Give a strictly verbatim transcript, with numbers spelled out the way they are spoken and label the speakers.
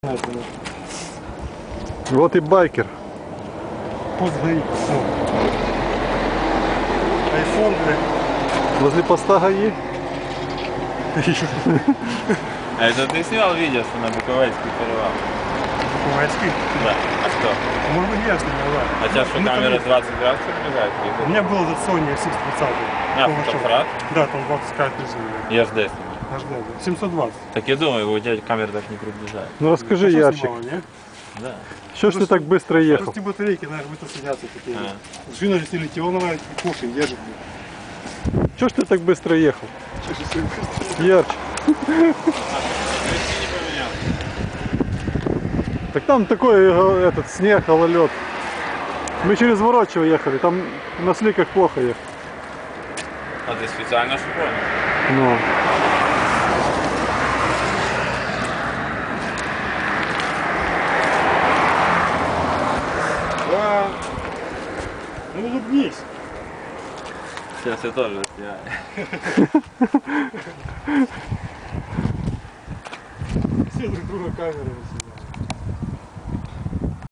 Speaker 1: Вот и байкер.
Speaker 2: Пост ГАИ. Айфон, блядь.
Speaker 1: Возле поста ГАИ.
Speaker 3: А это ты снял видео, что на Буковельский перевал?
Speaker 2: Буковельский?
Speaker 3: Да. А что?
Speaker 2: Может быть, я снимал, да.
Speaker 3: А сейчас что,
Speaker 2: Ну,
Speaker 3: камера
Speaker 2: там-
Speaker 3: двадцать градусов приближает?
Speaker 2: У меня был этот Sony эс икс тридцать.
Speaker 3: А, фотоаппарат?
Speaker 2: Да, там двадцать пять тысяч.
Speaker 3: Я жду.
Speaker 2: Аж да, семьсот двадцать.
Speaker 3: Так я думаю, у тебя камера так не приближает.
Speaker 1: Ну расскажи,
Speaker 2: Хорошо
Speaker 1: Ярчик,
Speaker 2: снимала, не?
Speaker 3: Да.
Speaker 1: что ж ты так быстро ехал?
Speaker 2: Просто батарейки, наверное, быстро садятся такие.
Speaker 3: А.
Speaker 2: Шина же литионовая, кофе держит.
Speaker 1: Что ж ты так быстро ехал?
Speaker 2: Чё же всё быстро?
Speaker 1: Ярчик. Так там такой э, этот снег, гололед. Мы через Ворочево ехали, там на сликах плохо ехать.
Speaker 3: А ты специально что понял?
Speaker 1: Ну.
Speaker 2: Да. Ну улыбнись.
Speaker 3: Сейчас я тоже снимаю.
Speaker 2: Все друг друга камеры.